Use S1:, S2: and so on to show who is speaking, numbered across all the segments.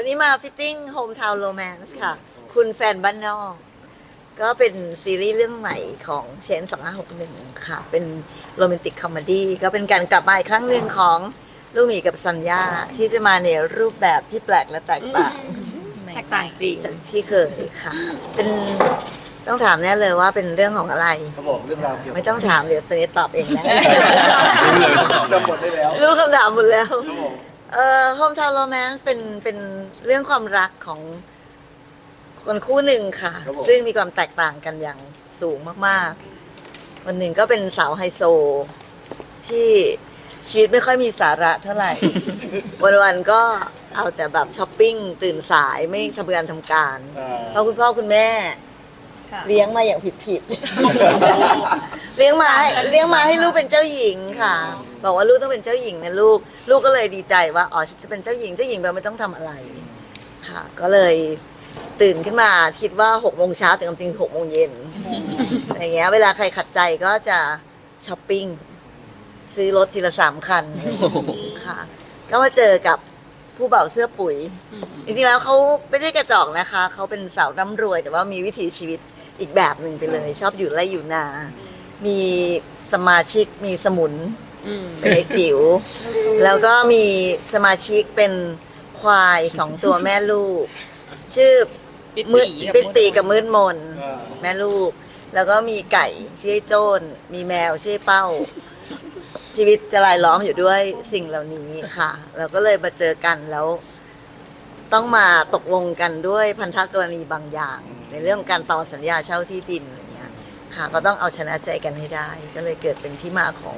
S1: นี้มาฟิตติ้ง Hometown Romance ค่ะ คุณแฟนบ้านนอก ก็เป็นซีรีส์เรื่องใหม่ของเชน2561 ค่ะ เป็นโรแมนติกคอมเมดี้ก็เป็นการกลับมาอีกครั้งหนึ่งของลูกหมีกับสัญญาที่จะมาในรูปแบบที่แปลกและแตกต่าง
S2: แตกต่างจริง
S1: จากที่เคยค่ะ เป็นต้องถามแน่เลยว่าเป็นเรื่องของอะไร
S3: เขาบอกเรื่องราวเกี่ยวกับ
S1: ไม่ต้องถามเดี๋ยวตอนนี้ตอบเองนะ
S3: จำบทได้แล้ว
S1: รู้คำถามหมดแล้ว
S3: ครับผม
S1: Hometown Romance เป็นเรื่องความรักของคนคู่หนึ่งค่ะ ซึ่งมีความแตกต่างกันอย่างสูงมากๆคนหนึ่งก็เป็นสาวไฮโซ ที่ชีวิตไม่ค่อยมีสาระเท่าไหร่ วันๆก็เอาแต่แบบช้อปปิ้งตื่นสายไม่ทำงานทำการ เพราะคุณพ่อคุณแม่เลี้ยงมาอย่างผิดๆ เลี้ยงมาให้ลูกเป็นเจ้าหญิงค่ะ บอกว่าลูกต้องเป็นเจ้าหญิงนะลูกก็เลยดีใจว่าอ๋อฉันจะเป็นเจ้าหญิงแบบไม่ต้องทำอะไรค่ะ ก็เลยตื่นขึ้นมาคิดว่า6 โมงเช้าแต่จริงๆ6 โมงเย็นอะไรเงี้ยเวลาใครขัดใจก็จะช้อปปิ้งซื้อรถทีละ3 คันค่ะ ก็มาเจอกับผู้บ่าวเสื้อปุ๋ย จริงๆแล้วเขาไม่ได้กระจอกนะคะ เขาเป็นสาวร่ำรวย แต่ว่ามีวิถีชีวิตอีกแบบหนึ่งไปเลย ชอบอยู่ไร่อยู่นา มีสมาชิกมีสมุนเป็นไอ้จิ๋ว แล้วก็มีสมาชิกเป็นควาย2 ตัวแม่ลูก ชื่อมืดปิดตีกับมืดมน แม่ลูก แล้วก็มีไก่ชื่อไอ้โจ้นมีแมวชื่อเป้า ชีวิตจะรายล้อมอยู่ด้วยสิ่งเหล่านี้ค่ะ แล้วก็เลยมาเจอกันแล้ว ต้องมาตกลงกันด้วยพันธกรณีบางอย่าง ในเรื่องการต่อสัญญาเช่าที่ดินอะไรเงี้ยค่ะ ก็ต้องเอาชนะใจกันให้ได้ ก็เลยเกิดเป็นที่มาของ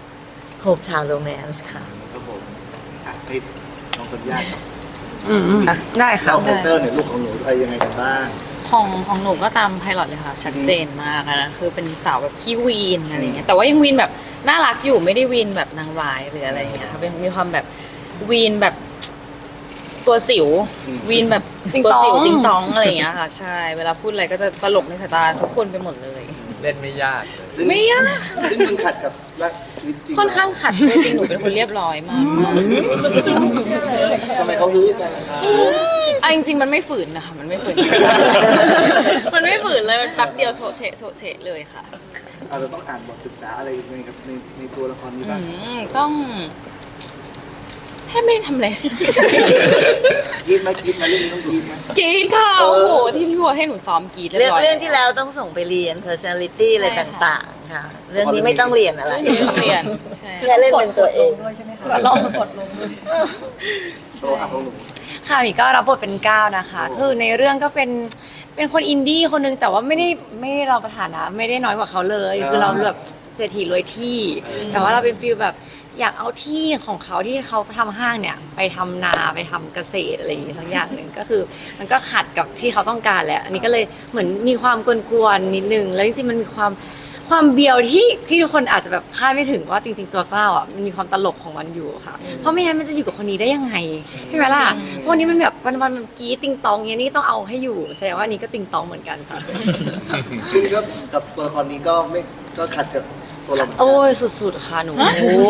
S1: Hometown Romance ค่ะ
S3: ครับผมให้น้องคนยากครับ
S2: ได้ค่ะ
S3: เล่าคาแรคเตอร์เนี่ยลูกของหนูอะไรยังไงกันบ้าง
S4: ของหนูก็ตามไพลอตเลยค่ะ ชัดเจนมากอะนะคือเป็นสาวแบบขี้วีนอะไรเงี้ยแต่ว่ายังวีนแบบน่ารักอยู่ไม่ได้วีนแบบนางร้ายหรืออะไรเงี้ยค่ะเป็นมีความแบบวีนแบบตัวจิ๋ววีนแบบตัวจิ๋วติงตองอะไรเงี้ยค่ะใช่เวลาพูดอะไรก็จะตลกในสายตาทุกคนไปหมดเลย
S5: เล่นไม่ยากเลย
S4: ไม่ยาก
S3: ซึ่งมันขัดกับรักชีวิตจริง
S4: ค่อนข้างขัดจริงๆหนูเป็นคนเรียบร้อยมาก
S3: ทำไมเขาลื้อกัน
S4: อ่ะจริงๆมันไม่ฝืนนะคะมันไม่ฝืน มันไม่ฝืนเลยมันแป๊บเดียวโฉะเฉะเลยค่ะ
S3: เราต้องอ่านบทศึกษาอะไรในกับในตัวละครนี้บ้าง
S4: ต้องแทบไม่ได้ทำอะไร
S3: คิดไหมเรื่องนี้ต้องคิดไหม
S4: กรีดค่ะโอ้โหที่พี่บัวให้หนูซ้อมกรีดเรียบร้อย
S1: เรื่องที่แล้วต้องส่งไปเรียน personality อะไรต่างๆ ค่ะ เรื่องนี้ไม่ต้องเรียนอะไร
S4: ไม่ต้องเรียนใช่
S1: แค่เล่นเป็นตัวเอง
S4: ลองกดลง
S3: โชว์อัพของหนู
S2: ค่ะหมีก็รับบทเป็นก้าวนะคะ คือในเรื่องก็เป็นคนอินดี้คนนึงแต่ว่าไม่ได้เราประฐานะไม่ได้น้อยกว่าเขาเลย คือเราแบบเศรษฐีรวยที่ แต่ว่าเราเป็นฟีลแบบอยากเอาที่ของเขาที่เขาทำห้างเนี่ยไปทำนาไปทำเกษตรอะไรอย่างงี้สักอย่างหนึ่งก็คือมันก็ขัดกับที่เขาต้องการแหละอันนี้ก็เลยเหมือนมีความกวนๆนิดนึงแล้วจริงๆมันมีความเบียวที่ทุกคนอาจจะแบบคาดไม่ถึงว่าจริงๆตัวกล้าวอ่ะมันมีความตลกของมันอยู่ค่ะเพราะไม่งั้นมันจะอยู่กับคนนี้ได้ยังไงใช่ไหมล่ะเพราะวันนี้มันแบบวันมันกรี๊ดติงตองเงี้ยนี่ต้องเอาให้อยู่แสดงว่านี้ก็ติงตองเหมือนกันค่ะ
S3: ซึ่งก็กับตัวละครนี้ก็ขัดกับตัวเราเหมือนกัน
S2: โอ้ยสุดๆค่ะหนูโอ้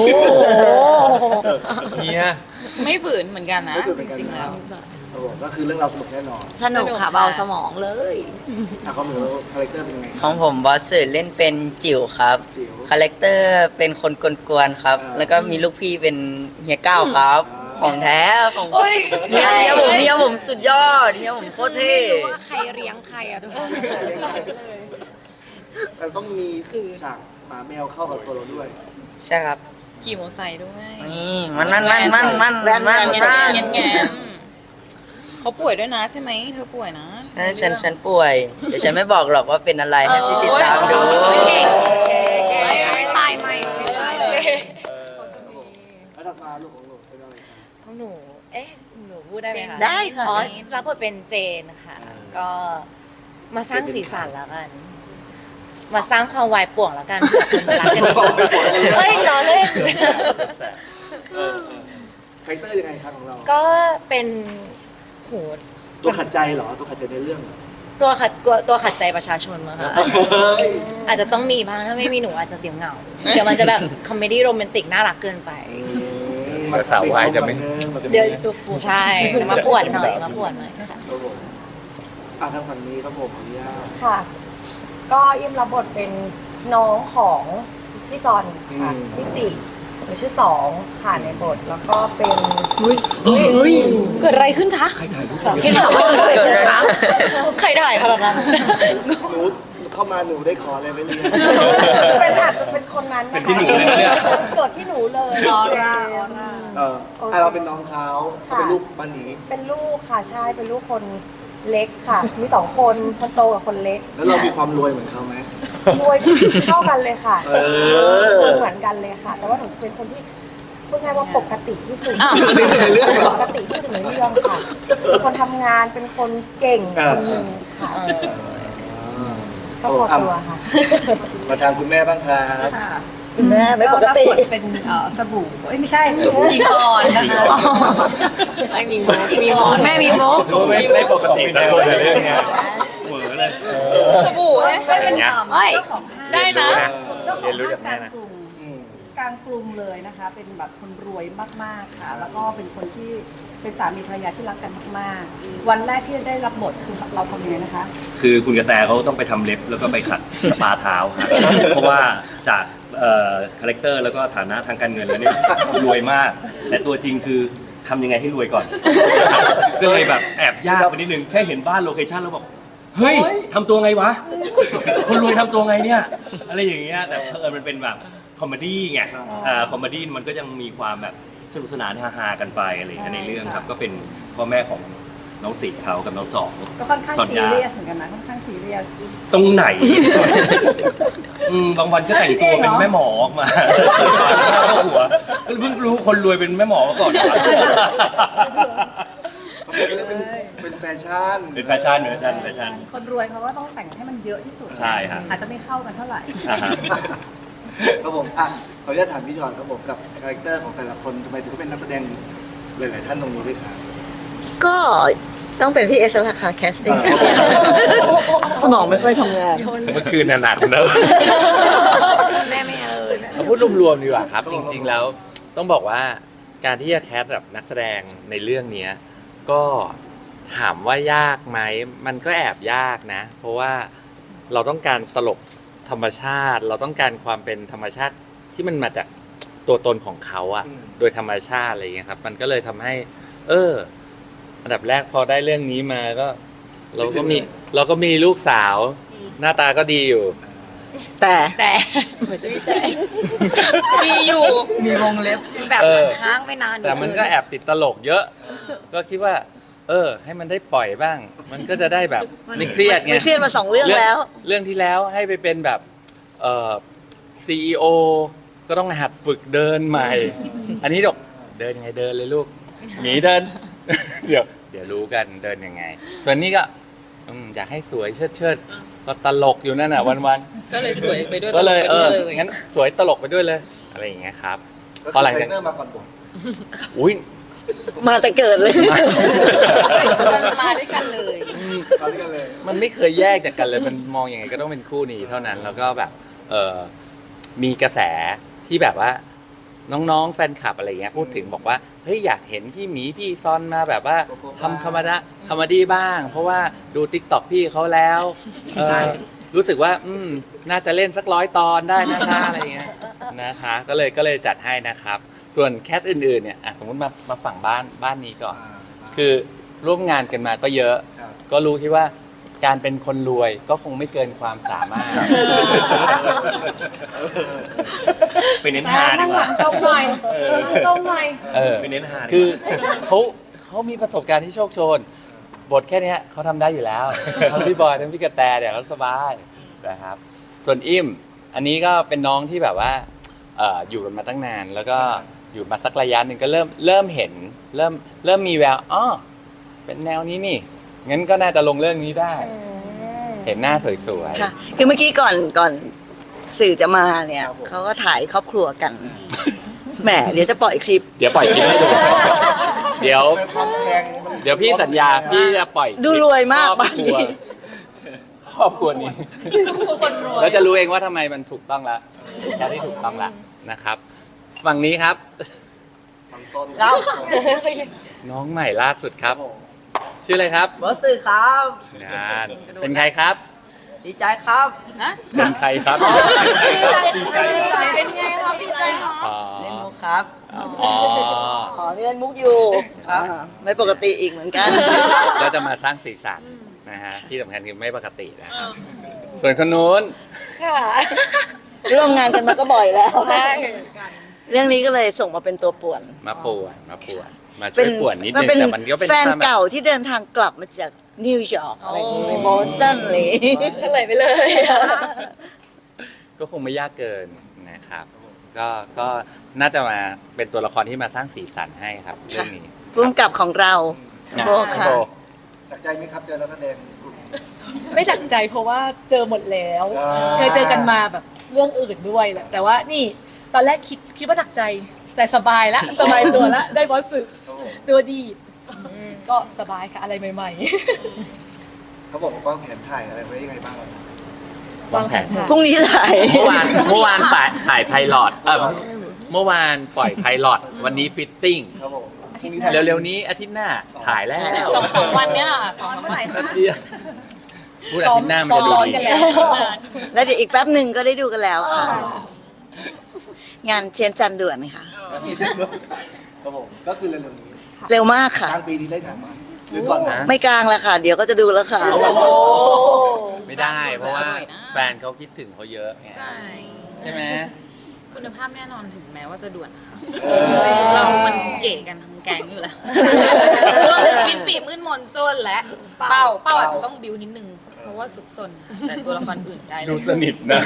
S5: เฮีย
S4: ไม่ฝืนเหมือนกันนะจริงๆแล้ว
S3: ครับผมก็คือเรื่องราวสนุกแน่นอน
S2: สนุกค่ะเบาสมองเลย
S3: ของหนูคาแรคเตอร์เป็นไง
S6: ของผมบอสสื่อเล่นเป็นจิ๋วครับ
S3: จิ๋ว
S6: คาแรคเตอร์เป็นคนกวนๆครับ
S3: อ่า
S6: แล้วก็มีลูกพี่เป็นเฮียก้าวครับ ของแท้ของเฮียผมสุดยอดเฮียผมโคตรเท่
S2: ไม่รู้ว่าใครเลี้ยงใครอะทุกคน
S3: แต่ต้องมีฉากหมาแมวเข้ากับตัวเราด้วย
S6: ใช่ครับ
S4: ขี่มอเตอร์ไซค์ด้วย
S6: นี่มัน
S4: เขาป่วยด้วยนะใช่ไหมเธอป่วยนะ
S6: ใช่ฉันป่วย เดี๋ยวฉันไม่บอกหรอกว่าเป็นอะไรให้ที่ติดตามดู
S2: ไม่ตายไม่ตายเลย
S3: แล้วถัดมาลูกของหนูเป็นอะไรครับ
S2: ของหนู หนูพูดได้ไหมคะ
S1: ได้ค่ะ
S2: อ๋อรับบทเป็นเจนค่ะ ก็มาสร้างสีสันแล้วกัน มาสร้างความวายป่วงแล้วกันเผื่อคนจะรักกันอีกเฮ้ยล้อเล่น
S3: คาแรคเตอร์ยังไงครับของเรา
S2: ก็เป็นโห
S3: ตัวขัดใจเหรอตัวขัดใจในเรื่องเหรอ
S2: ตัวขัดใจประชาชนมั้งคะ อาจจะต้องมีบ้างถ้าไม่มีหนูอาจจะเดี๋ยวเหงา เดี๋ยวมันจะแบบคอมเมดี้โรแมนติกน่ารักเกินไป
S5: ภาษาวายจะไม่
S2: เดี๋ยวตัวปูใช่มาปวดหน่อยค่ะ
S3: ครับผมทางฝั่งนี้ครับผมขออนุญาต
S5: ค่ะ ก็อิมรับบทเป็นน้องของพี่ซอนค่ะพี่สี่หนูชื่อสองค่ะในบทแล้วก็เป็น
S2: เกิดอะไรขึ้นคะพี่ถามว่าเกิดอะไรขึ้นคะใครถ่ายขนาดนั้น
S3: หนูเข้ามาหนูได้ขออะไรไหมเนี่ย
S5: เป็นอาจจะเป็นคนนั้นนะคะเกิดที่หนูเลยออร่า
S3: เราเป็นน้องเขาเป็นลูกบ้านนี้
S5: เป็นลูกค่ะใช่เป็นลูกคนเล็กค่ะ มีสองคนคนโตกับคนเล็ก
S3: แล้วเรามีความรวยเหมือนเขาไหม
S5: รวยเท่ากันเลยค่ะ
S3: เออ
S5: รวยเหมือนกันเลยค่ะ แต่ว่าหนูเป็นคนที่พูดง่ายว่าปกติที่สุด
S3: ในเรื่องเหรอ
S5: ปกติที่สุดในเรื่องค่ะเป็นคนทำงานเป็นคนเก่งคนหนึ่งค่ะก็พอตัวค่ะ
S3: มาทางคุณแม่บ้างครับ
S1: คุณแม่ไม่ปกติ
S7: รับบทเป็นสบู่ไม่ใช่ยิงอ่อนนะคะ
S2: ไม่มีโมแม่มีโม
S8: ไม่ปกติแต่คนในเรื่องเนี้ยเหวอเลย
S4: สบู่เนี่ย
S7: ไม่เป็น
S2: เฮ้ย
S7: เจ้าของห้าง
S4: ได้นะ
S7: เจ้าของ
S8: เรียนรู้
S7: ห้า
S8: จาก
S7: ง
S8: แม่
S7: กลาง
S8: นะ
S7: กรุงกลางกรุงเลยนะคะ เป็นแบบคนรวยมากๆค่ะ แล้วก็เป็นคนที่เป็นสามีภรรยาที่รักกันมากๆ วันแรกที่ได้รับบทคือเราทำยังไงนะคะ
S8: คือคุณกระแตเขาต้องไปทำเล็บแล้วก็ไปขัดสปาเท้าครับเพราะว่าจากคาแรคเตอร์แล้วก็ฐานะทางการเงินแล้วเนี่ยรวยมาก แต่ตัวจริงคือทำยังไงให้รวยก่อน ก็เลยแบบแอบยากไปนิดนึงแค่เห็นบ้านโลเคชั่นแล้วบอกเฮ้ยทำตัวไงวะ คนรวยทำตัวไงเนี่ยอะไรอย่างเงี้ยแต่เออมันเป็นแบบคอมเมดี้ไงคอมเมดี้มันก็ยังมีความแบบสนุกสนานฮาๆกันไปอะไรอย่างเงี้ยในเรื่องครับก็เป็นพ่อแม่ของน้องสิทธิ์เขากับน้องสอง
S7: ก็ค่อนข้าง
S8: ซอน
S7: ซี
S8: ยา
S7: เรียสเหมือนกันนะค่อนข้างซีเรียส
S8: ตรงไหน บางวันก็แต่งตัวเป็นแม่หมอออกมาเข้าหัวเพิ่งรู้คนรวยเป็นแม่หมอมาก่อน
S3: เป็นแฟชั่น
S8: เป็นแฟชั่นแฟชั่น
S7: คนรวยเขาก็ต้องแต่งให้มันเยอะที่สุด
S8: ใช่ครับ
S7: อาจจะไม่เข้ากันเท่าไหร่
S8: อ่าฮะ
S3: ครับผมขออนุญาตถามพี่จอนครับผมกับคาแรคเตอร์ของแต่ละคนทำไมถึงเป็นนักแสดงหลาย ๆ ท่านตรงนี้ด้วยครับ
S1: ก็ต้องเป็นพี่เอสแล้วล่ะค่ะแคสติ้งสมองไม่ค่อยทำงาน
S8: เมื่อคืนหนักเนอะ
S2: แม่ไม่เอาเลย
S9: เอาพูดรวมๆดีกว่าครับ จริงๆแล้วต้องบอกว่าการที่จะแคสแบบนักแสดงในเรื่องเนี้ยก็ถามว่ายากไหมมันก็แอบยากนะ เพราะว่าเราต้องการตลกธรรมชาติ เราต้องการความเป็นธรรมชาติที่มันมาจากตัวตนของเขาอะโดยธรรมชาติอะไรอย่างเงี้ยครับมันก็เลยทำให้อันดับแรกพอได้เรื่องนี้มาก็ เราก็มีลูกสาว หน้าตาก็ดีอยู่
S1: แต่
S2: แต่มีอยู่
S6: มีวงเล็บ
S2: แบบค้างไปนาน
S9: แต่มันก็แอบติดตลกเยอะ ก็คิดว่า ให้มันได้ปล่อยบ้าง มันก็จะได้แบบไม่เครียดไง
S1: ไม่เครียดมา2 เรื่องแล้ว
S9: เรื่องที่แล้วให้ไปเป็นแบบCEO ก็ต้องหัดฝึกเดินใหม่ อันนี้ดอกเดินยังไงเดินเลยลูกหนีเดิน เดี๋ยวรู้กันเดินยังไง ส่วนนี้ก็อยากให้สวยเชิดก็ตลกอยู่นั่นน่ะวัน
S4: ก็เลยสวยไปด้วย
S9: ๆก็เลย
S4: ตไปด้วย
S9: งั้นสวยตลกไปด้วยเลย อะไรอย่างเงี้ยครับ
S3: ก็
S9: พอ
S3: คือ
S9: หลัง
S3: คาแร
S9: จาก
S3: คเตอร์มาก่อนบท
S9: อุ้ย
S1: มาแต่เกิดเลย
S4: มันมาด้วยกันเลย
S3: ตอนนี้กันเลย
S9: มันไม่เคยแยกจากกันเลย มันมองยังไงก็ต้องเป็นคู่นี้เท่านั้น แล้วก็แบบมีกระแสที่แบบว่าน้องๆแฟนคลับอะไรเงี้ยพูดถึงบอกว่าเฮ้ยอยากเห็นพี่หมีพี่ซอนมาแบบว่าทำคอมเมดี้บ้าง เพราะว่าดูติ๊กต็อกพี่เขาแล้วรู้สึกว่าน่าจะเล่นสัก100 ตอนได้นะคะอะไรเงี้ยนะคะก็เลยจัดให้นะครับ ส่วนแคสอื่นๆเนี่ยสมมติมาฝั่งบ้านนี้ก่อน คือร่วมงานกันมาก็เยอะ
S3: ครับ
S9: ก็รู้ที่ว่าการเป็นคนรวยก็คงไม่เกินความสามารถ
S8: ไปเน้นฮาดี
S7: นั่ง
S8: ก
S7: หลั
S8: ว่า
S7: งตรงหน่อยนั่งตรงหน่อย
S8: ไปเน้นฮาดี
S9: คื
S8: ก
S9: อ
S8: ว่า
S9: เขามีประสบการณ์ที่โชคโชน บทแค่เนี้ยเขาทำได้อยู่แล้ว ทั้งพี่บอยทั้งพี่กระแตเนี่ยเขาสบายนะครับ ส่วนอิ่มอันนี้ก็เป็นน้องที่แบบว่าอยู่กันมาตั้งนาน แล้วก็อยู่มาสักระยะหนึ่งก็เริ่มเห็นเริ่มมีแววเป็นแนวนี้นี่งั้นก็น่าจะลงเรื่องนี้ได้ เห็นหน้าสวยๆ
S1: ค่ะ คือเมื่อกี้ก่อนสื่อจะมาเนี่ยเขาก็ถ่ายครอบครัวกัน แหมเดี๋ยวจะปล่อยคลิป
S9: เดี๋ยวปล่อยคลิปให้ดู เดี๋ยว
S3: ในความแพงมัน
S9: เดี๋ยวพี่สัญญาพี่จะปล่อยคลิป
S1: ดูรวยมาก
S9: ครอบ
S1: บ้านนี้
S9: ครอบครัวนี้แล้วจะรู้เองว่าทำไมมันถูกต้องแล้วแค่ที่ถูกต้องแล้วนะครับ ฝั่งนี้ครับ
S3: บางต้น
S1: แล้ว
S9: น้องใหม่ล่าสุดครับ ชื่ออะไรครับ
S6: บอสสื่อครับ
S9: งานเป็นใครครับ
S6: ดีใจครับ
S9: เป็นใครครับ
S4: เป็นไงครับดีใจค่ะ
S9: อ๋อ
S6: เล่นมุกครับ
S9: อ๋อ
S1: อ๋อนี่เล่นมุกอยู่
S6: ครับ
S1: ไม่ปกติอีกเหมือนกัน
S9: ก็จะมาสร้างสีสันนะฮะที่สำคัญคือไม่ปกตินะครับส่วนคนนู้น
S2: ค่ะ
S1: ร่วมงานกันมาก็บ่อยแล้ว
S2: ใช่
S1: เรื่องนี้ก็เลยส่งมาเป็นตัวป่วน
S9: มาป่วนมาช่วยป่วนนิดนึงแต่มันก็เป็น
S1: แฟน
S9: ความแบบ
S1: เก่าที่เดินทางกลับมาจากนิวยอร์กอะไรอย่างเงี้ยบอสตันเลย
S2: เฉลยไปเลย
S9: ก็คงไม่ยากเกินนะครับ ก็น่าจะมาเป็นตัวละครที่มาสร้างสีสันให้ครับเรื่องนี้
S1: พุ่มกับของเราโบค่ะ
S9: โบ
S3: จากใจไหมครับเจอนักแสดงกลุ่มนี้
S7: ไม่ตักใจเพราะว่าเจอหมดแล้ว
S3: อ่า
S7: เคยเจอกันมาแบบเรื่องอื่นด้วยแหละแต่ว่านี่ตอนแรกคิดว่าหนักใจแต่สบายละสบายตัวละได้บอสสึ
S3: ครับผม
S7: ตัวดีก็สบายค่ะอะไรใหม่
S3: เขาบอกว่าแผนถ่ายอะไรไว้ยังไงบ้างครับ
S9: วางแผน
S1: พรุ่งนี้ถ่าย
S9: เมื่อวานถ่ายไพลอตเมื่อวานปล่อยไพลอตวันนี้ฟิตติ้ง
S3: ครับผมพรุ่งนี้ถ่าย
S9: เร็วๆนี้อาทิตย์หน้าถ่ายแล้ว
S4: สองวันเนี้ยค่ะสองวัน
S9: พูดอาทิตย์หน้ามันจะดู
S7: ซ้อม
S9: ดี
S7: กันแล้ว
S1: แล้วเดี๋ยวอีกแป๊บหนึ่งก็ได้ดูกันแล้วค่ะ งานเชียนจันด่วนค่ะ
S3: ครับผมก็คือเร็วๆนี้
S1: เร็วมากค่ะ
S3: กลางปีนี้ได้ถ่ายมาหรือก่อนนะ
S1: ไม่กลางแล้วค่ะ เดี๋ยวก็จะดูแล้วค่ะ
S9: ไม่ได้ เพราะว่าแฟนเขาคิดถึงเขาเยอะไง
S4: ใช่
S9: ใช่ไหม
S4: คุณภาพแน่นอนถึงแม้ว่าจะด่วนนะคะ
S3: เออ
S4: เรามันเก๋กันทั้งแก๊งอยู่แล้วรวมถึงปิดปีมืดมนโจนและเป้าอาจจะต้องบิวนิดนึง เพราะว่าสุกสนค่ะแต่ตัวละครอื่นได้เลย
S9: ดูสนิทนะ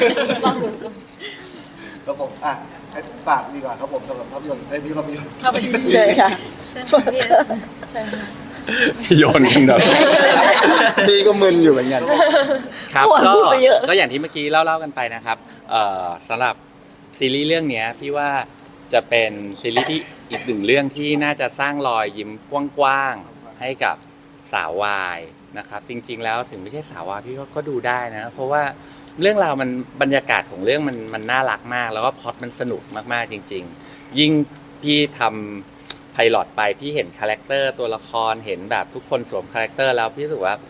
S3: ครับผมให้ฝากดีกว่าครับผมสำหรับภาพยนตร์พี่ภาพยนตร์
S4: เข้าไป
S1: เจอค่ะ
S4: เชิญค่ะพี่เอส
S9: โยนกันแบบพี่ก็มึนอยู่เหมือนกันครับ
S1: เมื่อวาน
S9: ก็
S1: พูดไปเยอะ
S9: ก็อย่างที่เมื่อกี้เล่ากันไปนะครับสำหรับซีรีส์เรื่องเนี้ยพี่ว่าจะเป็นซีรีส์ที่อีกหนึ่งเรื่องที่น่าจะสร้างรอยยิ้มกว้างๆให้กับสาววายนะครับ จริง ๆ แล้วถึงไม่ใช่สาววายพี่ก็ดูได้นะ เพราะว่าเรื่องราวมันบรรยากาศของเรื่องมันน่ารักมาก แล้วก็พล็อตมันสนุกมากๆจริง ๆ ยิ่งพี่ทำไพลอตไปพี่เห็นคาแรคเตอร์ตัวละครเห็นแบบทุกคนสวมคาแรคเตอร์แล้วพี่รู้สึกว่า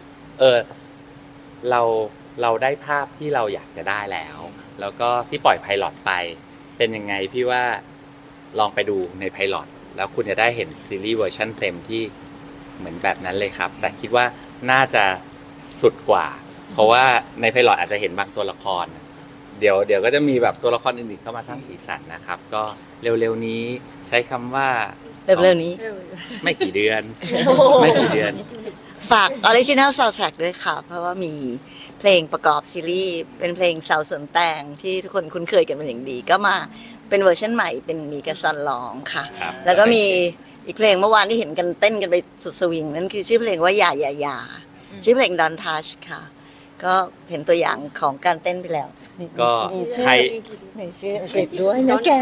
S9: เราได้ภาพที่เราอยากจะได้แล้ว แล้วก็ที่ปล่อยไพลอตไปเป็นยังไงพี่ว่าลองไปดูในไพลอตแล้วคุณจะได้เห็นซีรีส์เวอร์ชันเต็มที่เหมือนแบบนั้นเลยครับ แต่คิดว่าน่าจะสุดกว่า เพราะว่าในไพลอตอาจจะเห็นบางตัวละคร เดี๋ยวก็จะมีแบบตัวละครอื่นๆเข้ามาสร้างสีสันนะครับ ก็เร็วๆนี้ใช้คำว่า
S1: เร็วๆนี้
S9: ไม่กี่เดือนไม่กี่เดือน
S1: ฝาก Original Soundtrack ด้วยค่ะ เพราะว่ามีเพลงประกอบซีรีส์เป็นเพลงสาวสวนแตงที่ทุกคนคุ้นเคยกันเป็นอย่างดี ก็มาเป็นเวอร์ชันใหม่เป็นมีกระซอนร้องค่ะ
S9: ครับ
S1: แล้วก็มีอีกเพลงเมื่อวานที่เห็นกันเต้นกันไปสุดสวิง นั่นคือชื่อเพลงว่าอย่าชื่อเพลง Don't Touch ค่ะ ก็เห็นตัวอย่างของการเต้นไปแล้วนี่
S9: ก็
S1: มีชื่อ
S9: ใคร
S1: มีชื่ออังกฤษด้วยนะแก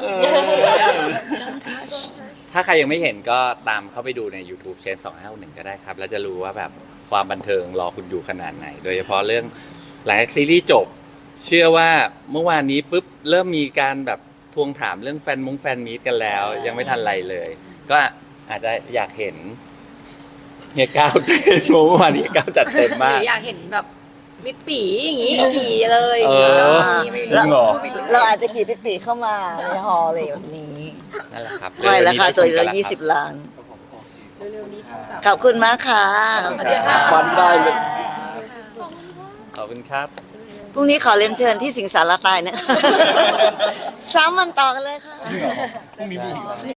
S9: ถ้าใครยังไม่เห็นก็ตามเข้าไปดูใน YouTube เชน2561ก็ได้ครับ แล้วจะรู้ว่าแบบความบันเทิงรอคุณอยู่ขนาดไหน โดยเฉพาะเรื่องหลังจากซีรีส์จบ เชื่อว่าเมื่อวานนี้ปุ๊บเริ่มมีการแบบทวงถามเรื่องแฟนมีตกันแล้ว ยังไม่ทันไรเลย ก็อาจจะอยากเห็นเฮียก้าวเต้นเมื่อวานนี้ก้าวจัดเต็ม
S2: ห
S9: มาก
S2: รืออยากเห็นแบบมิดปีอย่างงี้ขี่เลย
S9: เออ
S1: แล้ว
S9: จริงเหรอ
S1: เราอาจจะขี่ปีเข้ามาในฮอลเลยแบบนี้
S9: นั่นแหละครับ
S1: ไว้ราคาตัวละ
S9: เร็วๆนี้ได้ชมกันแล้วครับ
S1: 20 ล้าน ขอบคุณมากค่ะ
S9: วันได้เลยขอบคุณครับ
S1: พรุ่งนี้ขอเรียนเชิญที่สิงสารตายนะคะ 3 วันต่อกันเลยค่ะ